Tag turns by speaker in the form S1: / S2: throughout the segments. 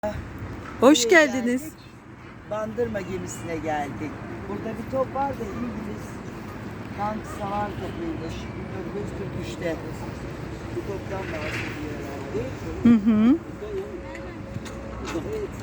S1: Hoş
S2: Buraya
S1: geldiniz.
S2: geldik. Bandırma gemisine geldik. Burada bir top var da İngiliz tank savar topuymuş. 1943'te. Bu toptan bahsediyor herhalde.
S1: Hı hı.
S2: Evet.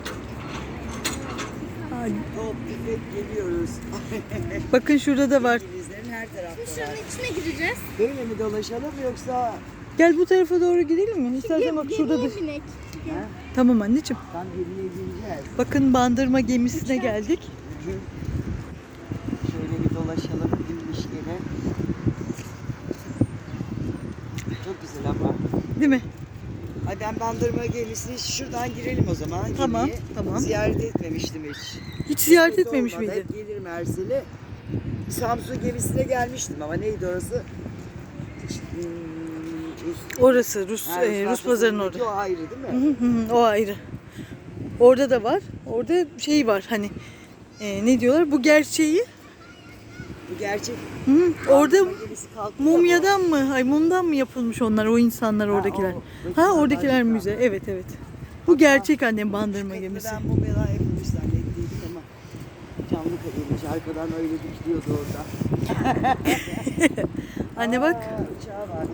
S1: Ay,
S2: Top, tüfek geliyoruz.
S1: bakın şurada da var.
S2: İngilizlerin her tarafta
S3: Şunun
S2: var.
S3: içine gireceğiz.
S2: Böyle mi dolaşalım yoksa
S1: Gel bu tarafa doğru gidelim mi? İstersen bak şurada da.
S3: Gemiye binek.
S2: ha?
S1: Tamam anneciğim.
S2: Tam geriye gireceğiz.
S1: Bakın bandırma gemisine geldik.
S2: Şöyle bir dolaşalım inmişkene. Çok güzel ama.
S1: Değil mi?
S2: Ay ben bandırma gemisine şuradan girelim o zaman.
S1: Tamam,
S2: gemiye.
S1: tamam.
S2: Ziyaret etmemiştim hiç.
S1: Hiç ziyaret
S2: Kısmet
S1: etmemiş
S2: olmadı,
S1: miydi?
S2: Hep gelirim Ersel'e. Samsun gemisine gelmiştim ama neydi orası?
S1: Orası Rus
S2: Ha,
S1: Rus pazarının orada.
S2: O ayrı değil mi?
S1: Hı hı, o ayrı. Orada da var. Orada şey var hani ne diyorlar? Bu gerçeği.
S2: Bu gerçek.
S1: Hı, orada
S2: bandırma gemisi kalktı da
S1: mumyadan mı? Ay mumdan mı yapılmış onlar o insanlar oradakiler?
S2: o.
S1: Ha oradakiler müze. Evet evet. Bu gerçek annem bandırma
S2: Şu
S1: gemisi.
S2: Ben mumyadan yapılmış zannettiydim ama canlı kadınmış. Arkadan öyle dikiliyordu orada.
S1: Anne bak.
S2: Uçağı var.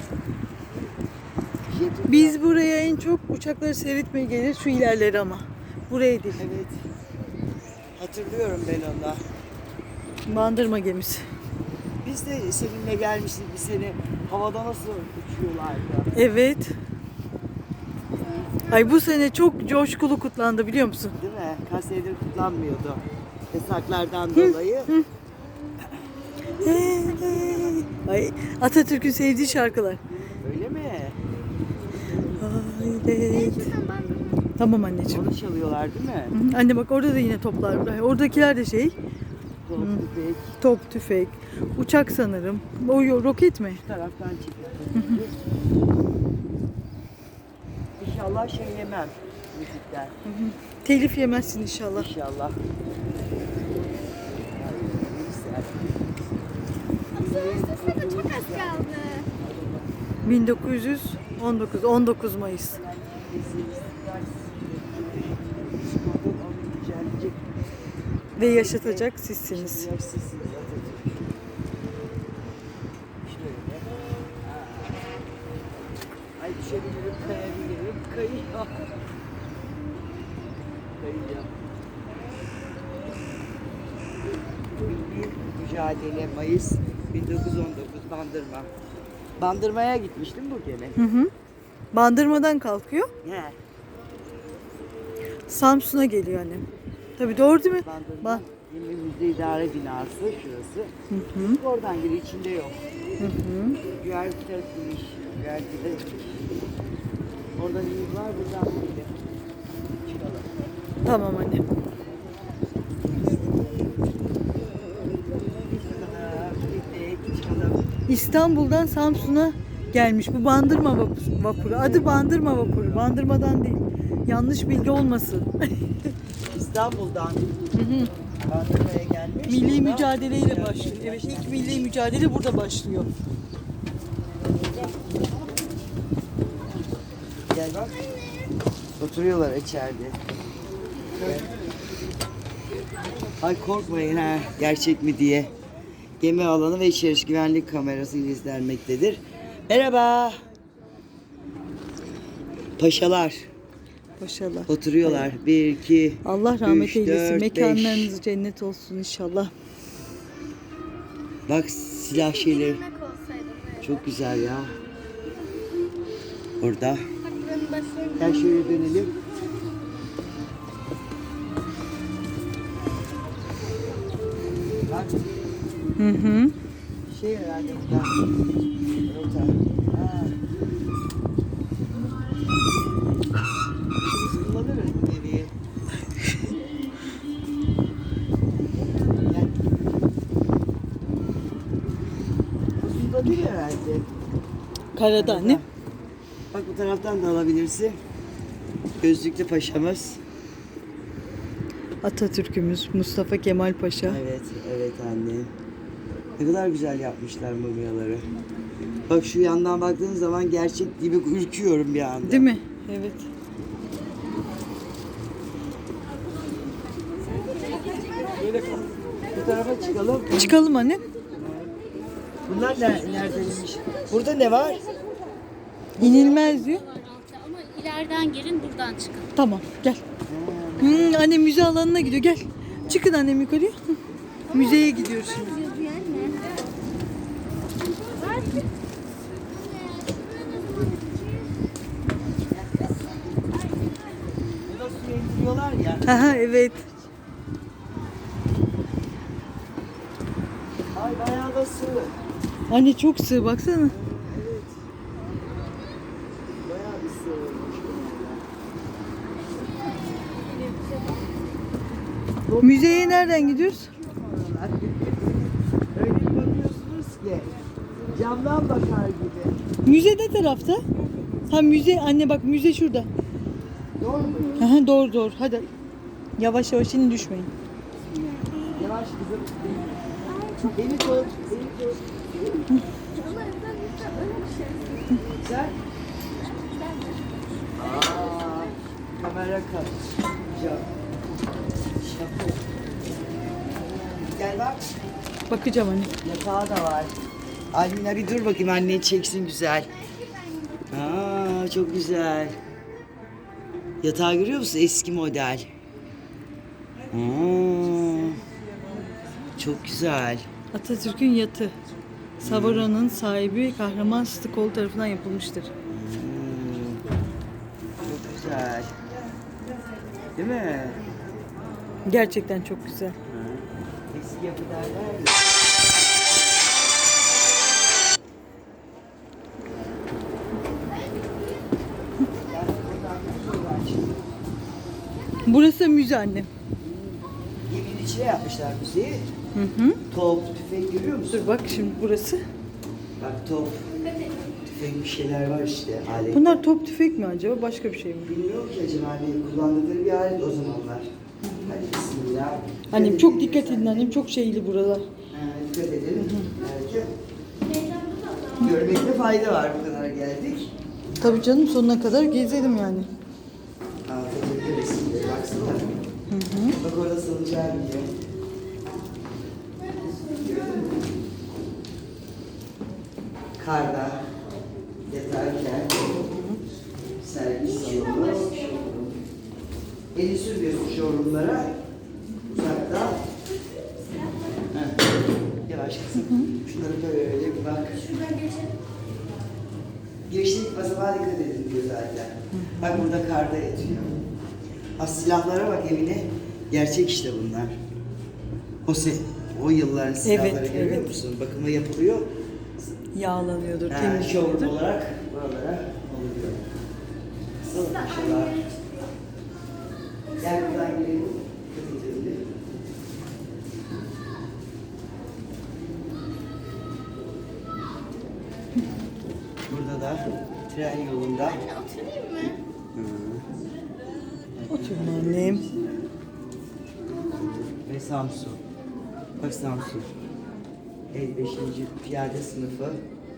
S2: Jet
S1: Biz buraya en çok uçakları seyretmeye gelir şu ilerleri ama. Buraya değil.
S2: Evet. Hatırlıyorum ben onu.
S1: Bandırma gemisi.
S2: Biz de seninle gelmiştik bir sene. Havada nasıl uçuyorlardı.
S1: Evet. Ay bu sene çok coşkulu kutlandı biliyor musun?
S2: Değil mi? Kaç senedir kutlanmıyordu. Yasaklardan dolayı.
S1: Hey, hey. Ay Atatürk'ün sevdiği şarkılar.
S2: Öyle mi?
S1: Hayret.
S3: Şuradan bandırma.
S1: Tamam anneciğim.
S2: Onu çalıyorlar değil mi?
S1: Hı hı. Anne bak orada da yine toplar var. Oradakiler de şey
S2: Top, tüfek.
S1: top, tüfek, uçak sanırım. O roket mi?
S2: Şu taraftan çıkıyor. İnşallah şey yemem müzikten.
S1: Telif yemezsin inşallah.
S2: İnşallah.
S3: Aslında çok az kaldı.
S1: 1919 Mayıs. Ve yaşatacak sizsiniz.
S2: Ay düşebilirim, kayabilirim, kayıyor. Kayıyor. Milli Mücadele Mayıs 1919 Bandırma. Bandırmaya gitmiştim bu gene.
S1: Hı hı. Bandırmadan kalkıyor.
S2: He.
S1: Samsun'a geliyor annem. Tabii doğru değil mi?
S2: Bandırma.
S1: Ba-
S2: Yeni Müze İdare Binası şurası.
S1: Hı hı.
S2: Oradan giriyor, içinde yok.
S1: Hı hı.
S2: Güvercin tarafıymış. Güvercin Oradan iyi var, buradan böyle. Çıkalım.
S1: Tamam anne.
S2: Çıkalım.
S1: İstanbul'dan Samsun'a gelmiş bu bandırma vapuru. Adı bandırma vapuru. Bandırmadan değil. Yanlış bilgi olmasın.
S2: İstanbul'dan Bandırma'ya gelmiş.
S1: Milli
S2: Buradan-
S1: mücadeleyle başlıyor. Evet ilk milli mücadele burada başlıyor.
S2: Gel bak. Oturuyorlar içeride. Gel. Ay korkmayın ha gerçek mi diye. Gemi alanı ve içeriş güvenlik kamerası ile izlenmektedir. Merhaba. Paşalar
S1: Maşallah.
S2: oturuyorlar. 1, 2,
S1: Allah rahmet
S2: 3,
S1: eylesin.
S2: 4,
S1: Mekanlarınız cennet olsun inşallah.
S2: Bak silah şeyleri
S3: Yemek olsaydı böyle.
S2: çok güzel ya. Orada.
S3: Bak buranın başlarında.
S2: Gel şöyle dönelim. Bak
S1: Hı hı.
S2: şey herhalde burada. Rota. Ha. Biz kullanırız bu gemiyi. Gel. Uzunda değil herhalde.
S1: Karada anne.
S2: Bak bu taraftan da alabilirsin. Gözlüklü paşamız.
S1: Atatürk'ümüz Mustafa Kemal Paşa.
S2: Evet, evet anne. Ne kadar güzel yapmışlar mumyaları. Bak şu yandan baktığın zaman gerçek gibi ürküyorum bir anda.
S1: Değil mi? Evet.
S2: tarafa çıkalım.
S1: Çıkalım anne.
S2: Bunlar neredeymiş? Burada ne var?
S1: İnilmez diyor.
S3: Ama ileriden gelin buradan çıkın.
S1: Tamam gel. Anne müze alanına gidiyor gel. Çıkın annem yukarıya. Müzeye gidiyoruz şimdi.
S2: Burada suya indiriyorlar ya.
S1: Aha evet.
S2: Ay bayağı da sığ.
S1: Anne çok sığ baksana.
S2: Evet. Bayağı bir sığ olmuş.
S1: Müzeye nereden gidiyoruz?
S2: Öyle bir bakıyorsunuz ki camdan bakar gibi.
S1: Müze ne tarafta? Ha müze anne bak müze şurada.
S2: Doğru mu?
S1: Aha, doğru doğru hadi. Yavaş yavaş inin düşmeyin.
S2: Yavaş kızım. Beni tut. Beni tut. Sen? Aa, kamera kaç. Şaka. Gel bak.
S1: Bakacağım anne.
S2: Yatağı da var. Almina bir dur bakayım, anneyi çeksin güzel. Aa, çok güzel. Yatağı görüyor musun? Eski model. Aa, çok güzel.
S1: Atatürk'ün yatı. Savara'nın sahibi Kahraman Sıtıkoğlu tarafından yapılmıştır.
S2: Çok güzel. Değil mi?
S1: Gerçekten çok güzel.
S2: Eski yapı derler ya.
S1: Burası müze annem.
S2: Geminin içine yapmışlar müziği.
S1: Hı hı.
S2: Top, tüfek görüyor musun?
S1: Dur bak şimdi burası.
S2: Bak top, tüfek bir şeyler var işte. Alet.
S1: Bunlar top tüfek mi acaba? Başka bir şey mi?
S2: Bilmiyorum ki acaba hani kullandıkları bir alet o zamanlar. Hadi bismillah.
S1: Annem çok dikkat edin annem. Çok şeyli buralar.
S2: Dikkat edelim. Belki. Görmekte fayda var, bu kadar geldik.
S1: Tabii canım sonuna kadar gezelim yani.
S2: Atatürk'e resimleri baksana. Bak orada salıncağın diye. Gördün mü? Karda yatarken servis salonu. Eli sürmüyorsun showroomlara. Uzakta. Heh. Yavaş kızım. Şunları böyle bir bak. Geçtik basamağa dikkat edin diyor zaten. Bak burada karda yatıyor. Az silahlara bak evine. Gerçek işte bunlar. O yılların silahları
S1: Evet,
S2: görüyor
S1: evet.
S2: musun? Bakıma yapılıyor.
S1: Yağlanıyordur,
S2: Showroom
S1: temizleniyordur.
S2: olarak buralara oluyor. Nasıl paşalar? Gel buradan girelim. Dikkat edelim. Burada da tren yolunda.
S3: Oturayım mı?
S1: Oturun annem.
S2: Ve Samsun. Bak Samsun. 55. Piyade sınıfı.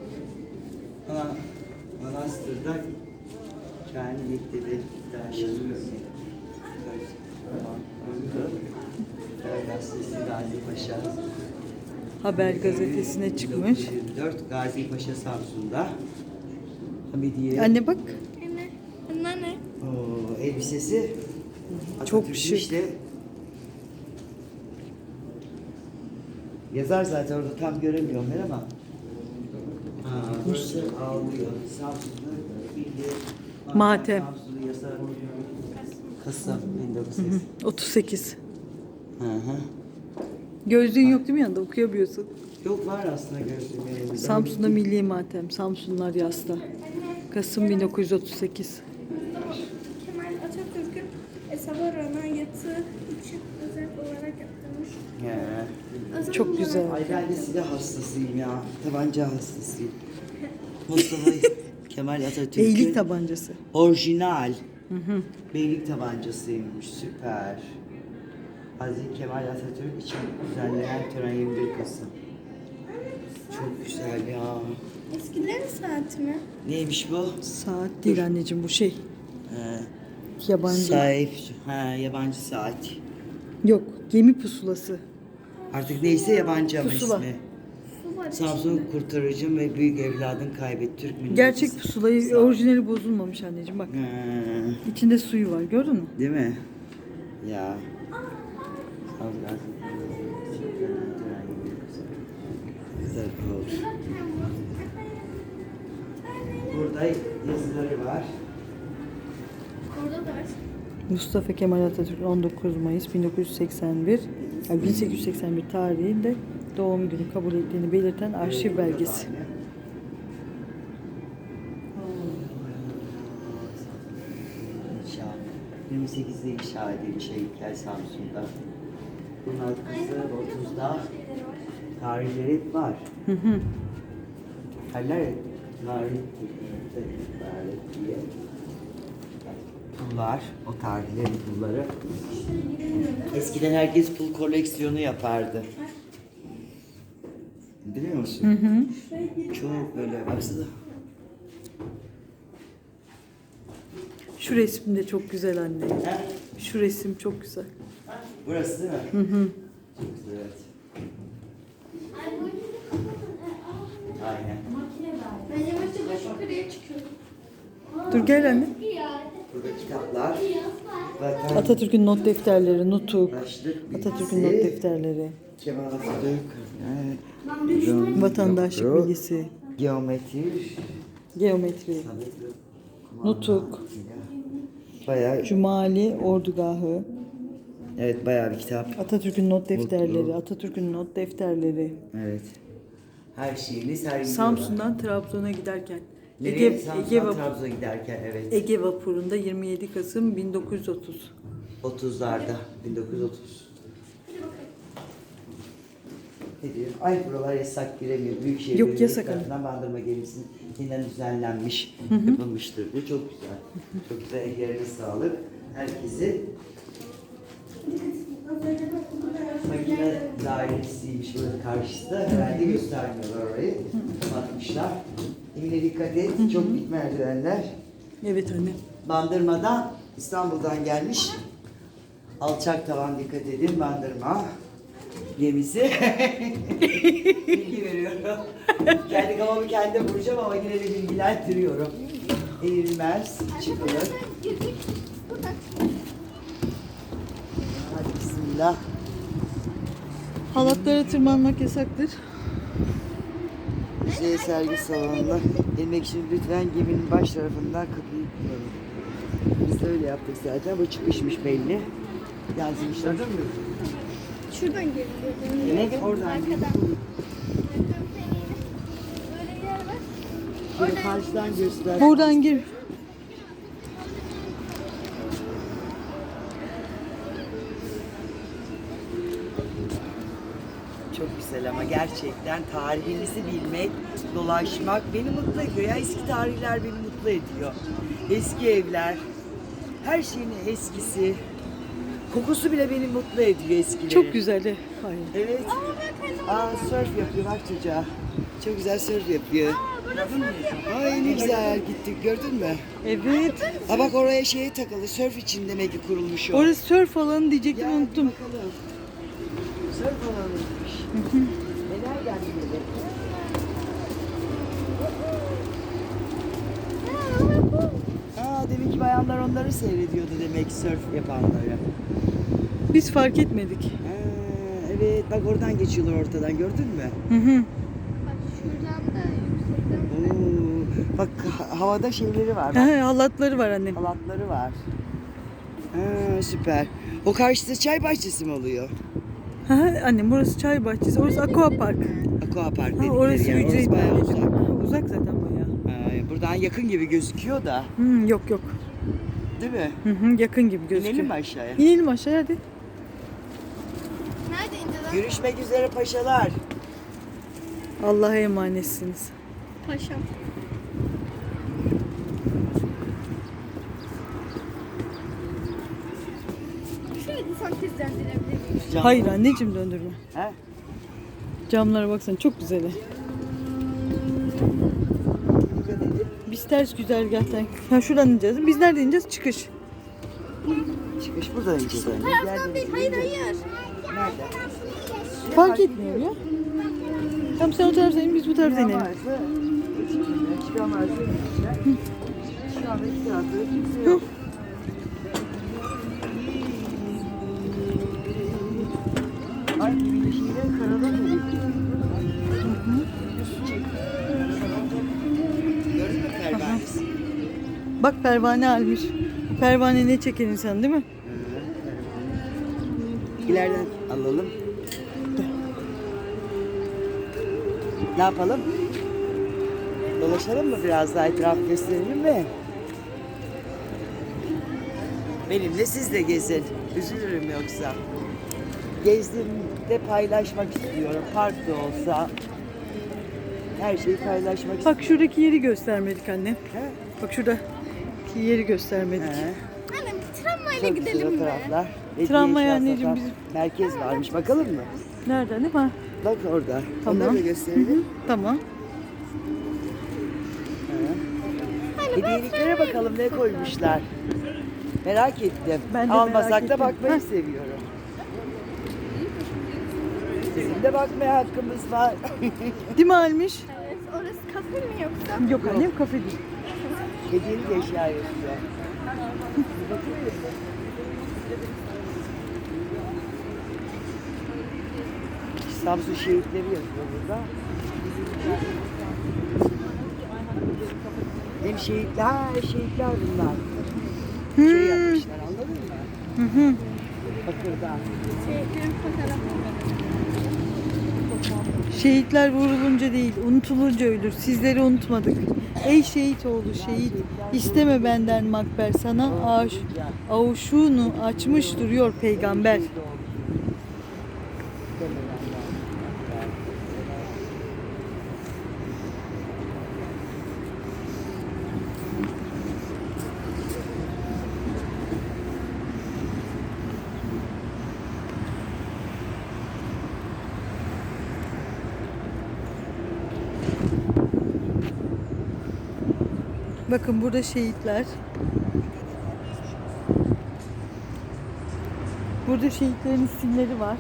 S2: Manastır'da kendi yetkili yaşanıyor. Gazetesi Gazi Paşa.
S1: Haber gazetesine çıkmış.
S2: 1924 Gazi Paşa Samsun'da. Hamidiye.
S1: Anne bak.
S3: Anne. Bunlar ne?
S2: Oo, elbisesi.
S1: Çok
S2: Atatürk'ün
S1: şık.
S2: işte. Yazar zaten orada tam göremiyorum ben ama. Ha, burası ağlıyor. Samsun'da bildiğin
S1: Matem.
S2: Samsun'u yazar. Kasım 1900.
S1: 38.
S2: Hı hı.
S1: Gözlüğün yok değil mi yanında? Okuyabiliyorsun.
S2: Yok var aslında gözlüğüm elimde.
S1: Samsun'da milli matem. Samsunlar yasta. Kasım 1938.
S3: Kemal Atatürk'ün Savara'na yatı için özel olarak yaptırmış.
S2: He.
S1: Çok güzel.
S2: Ay ben de silah hastasıyım ya. Tabanca hastasıyım. Mustafa Kemal Atatürk'ün
S1: Beylik tabancası.
S2: orijinal beylik tabancasıymış. Süper. Hazreti Kemal Atatürk için düzenlenen tören 21 Kasım. Çok güzel ya.
S3: Eskilerin saati mi?
S2: Neymiş bu?
S1: Saat değil anneciğim bu şey.
S2: Ee,
S1: Yabancı.
S2: Sahip. Ha, yabancı saat.
S1: Yok gemi pusulası.
S2: Artık neyse yabancı ama
S1: Pusula.
S2: ismi.
S3: Su var
S2: Samsun kurtarıcım ve büyük evladın kaybet Türk milleti.
S1: Gerçek pusulayı orijinali bozulmamış anneciğim bak.
S2: Ha,
S1: İçinde suyu var gördün mü?
S2: değil mi? Ya. Güzel oldu. Burada yazıları var.
S3: Orada da var.
S1: Mustafa Kemal Atatürk 19 Mayıs 1981, yani 1881 tarihinde doğum günü kabul ettiğini belirten arşiv belgesi.
S2: İnşa. 28'de inşa edilmiş heykel Samsun'da. Bunun arkası 30'da tarihleri hep var.
S1: Hı hı.
S2: Haller tarih diye. Pullar, o tarihlerin pulları. Eskiden herkes pul koleksiyonu yapardı. Biliyor musun?
S1: Hı hı.
S2: Çok böyle baksana.
S1: Şu resim de çok güzel anne.
S2: Ha?
S1: Şu resim çok güzel.
S2: Burası değil mi?
S1: Hı hı.
S2: Çok güzel, evet. Aynen.
S3: Ben yavaşça baş yukarıya çıkıyorum.
S1: Dur gel anne.
S2: Burada kitaplar, vatan,
S1: Atatürk'ün not defterleri, nutuk.
S2: vatandaşlık
S1: Atatürk'ün not
S2: bilgisi,
S1: defterleri,
S2: Kemal Atatürk,
S1: vatandaşlık bilgisi,
S2: geometri,
S1: geometri, nutuk,
S2: bayağı,
S1: Cumali ordugahı,
S2: evet bayağı bir kitap.
S1: Atatürk'ün not defterleri,
S2: Mutlu.
S1: Atatürk'ün not defterleri.
S2: Evet. Her şeyini sergiliyorlar.
S1: Samsun'dan Trabzon'a giderken
S2: Nereye? Samsun'dan Trabzon'a giderken evet.
S1: Ege vapurunda 27 Kasım 1930.
S2: 30'larda, 1930. Ne diyor? Ay buralar yasak giremiyor. Büyükşehir
S1: Yok,
S2: Belediyesi
S1: yasak
S2: tarafından Bandırma gemisinin yeniden düzenlenmiş, yapılmıştır diyor. Çok güzel. Çok güzel. Ellerine sağlık. Herkesi makine dairesiymiş böyle karşısında. Herhalde göstermiyorlar orayı. Kapatmışlar. Emine dikkat et. Çok dik merdivenler.
S1: Evet anne.
S2: Bandırma'dan, İstanbul'dan gelmiş. Alçak tavan dikkat edin. Bandırma gemisi. Bilgi veriyorum. Kendi kafamı kendim vuracağım ama yine de bilgilendiriyorum. Eğilmez, çıkılır. Hadi bismillah.
S1: Halatlara tırmanmak yasaktır.
S2: Müze sergi salonuna inmek için lütfen geminin baş tarafından kapıyı kullanın. Biz de öyle yaptık zaten. Bu çıkışmış belli. Yazmışlar değil mi?
S3: Şuradan geliyor.
S2: Evet, oradan geliyor.
S3: Böyle bir yer var.
S2: Şöyle karşıdan göster.
S1: Buradan gir.
S2: Çok güzel ama gerçekten tarihimizi bilmek, dolaşmak beni mutlu ediyor. Ya eski tarihler beni mutlu ediyor. Eski evler, her şeyin eskisi. Kokusu bile beni mutlu ediyor eskilerin.
S1: Çok güzel. Hayır.
S2: Evet. Surf yapıyor bak çocuğa. Çok güzel surf yapıyor. Ay ne güzel gittik gördün mü?
S1: Evet.
S2: Ha bak oraya şeye takılı surf için demek ki kurulmuş o.
S1: Orası surf alanı diyecektim
S2: Ya,
S1: unuttum.
S2: bakalım. Surf alanıymış. Neler geldi böyle? Demek ki bayanlar onları seyrediyordu demek surf yapanları.
S1: Biz fark etmedik.
S2: Evet bak oradan geçiyorlar ortadan gördün mü?
S1: Hı hı.
S3: Bak şuradan da yüksekten.
S2: Oo, bak havada şeyleri var. Bak,
S1: Ha, halatları var annem.
S2: halatları var. Süper. O karşıda çay bahçesi mi oluyor?
S1: Ha, annem burası çay bahçesi, orası aqua park.
S2: Aqua Park
S1: Ha,
S2: dedikleri
S1: orası
S2: yer.
S1: ücretli.
S2: Orası bayağı uzak.
S1: Ha, uzak zaten bayağı.
S2: Buradan yakın gibi gözüküyor da.
S1: Yok yok.
S2: Değil mi?
S1: Hı hı, yakın gibi gözüküyor.
S2: İnelim mi aşağıya?
S1: İnelim aşağıya hadi.
S3: Nerede ineceğiz?
S2: Görüşmek üzere paşalar.
S1: Allah'a emanetsiniz.
S3: Paşam. Şöyle bir sentezlendirebilir miyim?
S1: Hayır anneciğim döndürme.
S2: He?
S1: Camlara baksana çok güzel.
S2: Dikkat edin.
S1: Biz ters güzergahtan. Ha şuradan ineceğiz. Biz nereden ineceğiz? Çıkış.
S2: Çıkış buradan ineceğiz anne.
S3: Taraftan değil, hayır hayır.
S2: Nerede?
S1: Fark etmiyor ya. Tamam sen o taraftan in biz bu taraftan inelim.
S2: Çıkamazsa çıkamazsa inmişler. Şu anda iki tarafta da kimse yok. Ay güneşiyle karada mı? Gördün mü pervanesi?
S1: Bak pervane almış. Pervane ne çeker insan değil mi?
S2: İleriden alalım. Ne yapalım? Dolaşalım mı biraz daha etraf gösterelim mi? Benimle siz de gezin. Üzülürüm yoksa. Gezdiğimde paylaşmak istiyorum. Park da olsa. Her şeyi paylaşmak istiyorum.
S1: Bak şuradaki yeri göstermedik anne.
S2: He?
S1: Bak şuradaki yeri göstermedik.
S2: He.
S3: Anne tramvayla
S2: Çok güzel
S3: gidelim mi?
S2: fotoğraflar.
S1: Tramvay
S2: Hediye
S1: anneciğim,
S2: eşya
S1: bizim-
S2: merkez varmış. Bakalım mı?
S1: Nerede ne var?
S2: Bak orada.
S1: Tamam.
S2: Onları da gösterelim.
S1: Tamam.
S2: Hediyeliklere bakalım ne koymuşlar. Merak ettim.
S1: Ben de
S2: Almasak
S1: merak
S2: da
S1: ettim.
S2: bakmayı
S1: Heh.
S2: seviyorum. Bizim de bakmaya hakkımız var.
S1: Değil mi almış?
S3: Evet, orası kafe mi yoksa?
S1: Yok annem kafe değil.
S2: Hediyelik eşya yapıyor. Samsun şehitleri yazıyor burada. Hem şehitler, şehitler bunlar. Şey yapmışlar anladın mı?
S1: Hı hı.
S2: Bakırdan.
S3: Şehitlerin fotoğrafı.
S1: Şehitler vurulunca değil, unutulunca ölür. Sizleri unutmadık. Ey şehit oğlu şehit, isteme benden makber sana avuşunu açmış duruyor peygamber. Bakın burada şehitler. Burada şehitlerin isimleri var.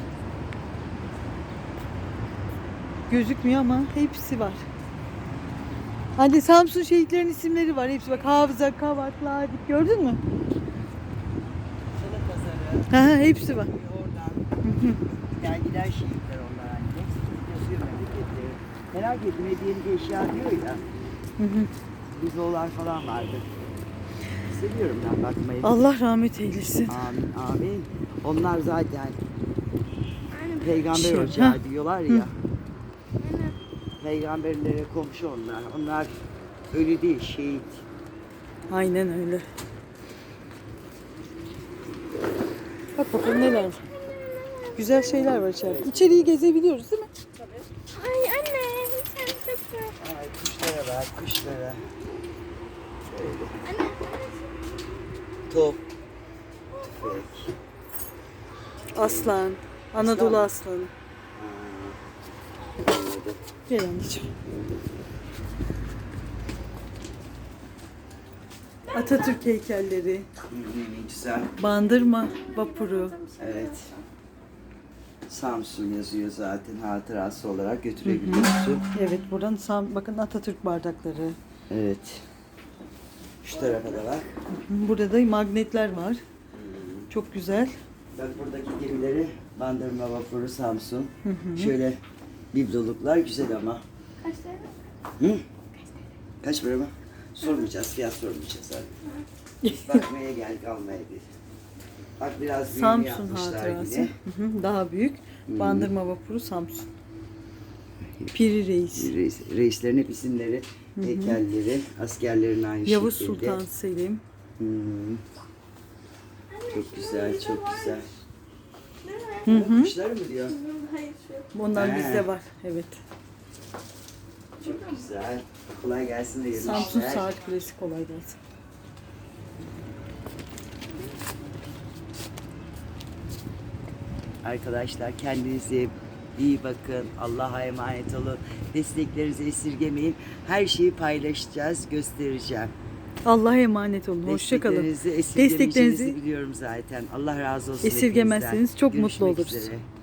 S1: Gözükmüyor ama hepsi var. Hadi Samsun şehitlerin isimleri var. Hepsi bak Hafıza, Kavak, Ladik gördün mü?
S2: Salı pazarı.
S1: Ha, hepsi var.
S2: Oradan. Yani giden şehitler onlar hani. Hepsi yazıyor memleketleri. Merak ettim hediyelik eşya diyor ya.
S1: Hı hı.
S2: Bizolar falan vardı. Seviyorum ben bakmayı.
S1: Allah rahmet eylesin.
S2: Amin amin. Onlar zaten peygamber
S1: Şey,
S2: ocağı
S1: ha.
S2: diyorlar ya.
S3: Aynen.
S2: Peygamberlere komşu onlar. Onlar ölü değil şehit.
S1: Aynen öyle. Bak bakalım neler var. Güzel şeyler var içeride. İçeriği gezebiliyoruz değil mi?
S3: Ay anne, sen çok güzel.
S2: Ay kuşlara bak kuşlara. Şöyle.
S3: Anne,
S2: Top. Tüfek.
S1: Aslan. Anadolu
S2: Aslan.
S1: aslanı.
S2: Anladım.
S1: Gel anneciğim. Atatürk heykelleri.
S2: Güzel.
S1: Bandırma vapuru.
S2: Evet. Samsun yazıyor zaten hatırası olarak götürebiliyorsun.
S1: Evet buradan bakın Atatürk bardakları.
S2: Evet. Şu tarafa da bak.
S1: Burada da magnetler var. Çok güzel.
S2: Bak buradaki gemileri Bandırma Vapuru Samsun. Şöyle bibloluklar güzel ama.
S3: kaç tane?
S2: Hı? Kaç para mı? Sormayacağız, fiyat sormayacağız abi. Bakmaya geldik almaya değil. Bak biraz büyüğünü
S1: Samsun
S2: yapmışlar
S1: hatırası.
S2: yine.
S1: Hı hı, daha büyük. Bandırma vapuru Samsun. Piri Reis.
S2: Reislerin hep isimleri, heykelleri, askerlerin aynı
S1: Yavuz
S2: şekilde.
S1: Sultan Selim.
S2: Hmm. Çok güzel, çok güzel. Kuşlar mı diyor?
S3: Hayır şu.
S1: Ondan
S2: He.
S1: bizde var. Evet.
S2: Çok güzel. Kolay gelsin de
S1: Samsun
S2: işler.
S1: Saat Kulesi kolay gelsin.
S2: Arkadaşlar kendinize iyi bakın. Allah'a emanet olun. Desteklerinizi esirgemeyin. Her şeyi paylaşacağız, göstereceğim.
S1: Allah'a emanet olun. Hoşça kalın.
S2: Desteklerinizi
S1: Desteklerinizi
S2: biliyorum zaten. Allah razı olsun.
S1: esirgemezseniz
S2: hepinizden.
S1: çok mutlu
S2: Görüşmek
S1: oluruz.
S2: üzere.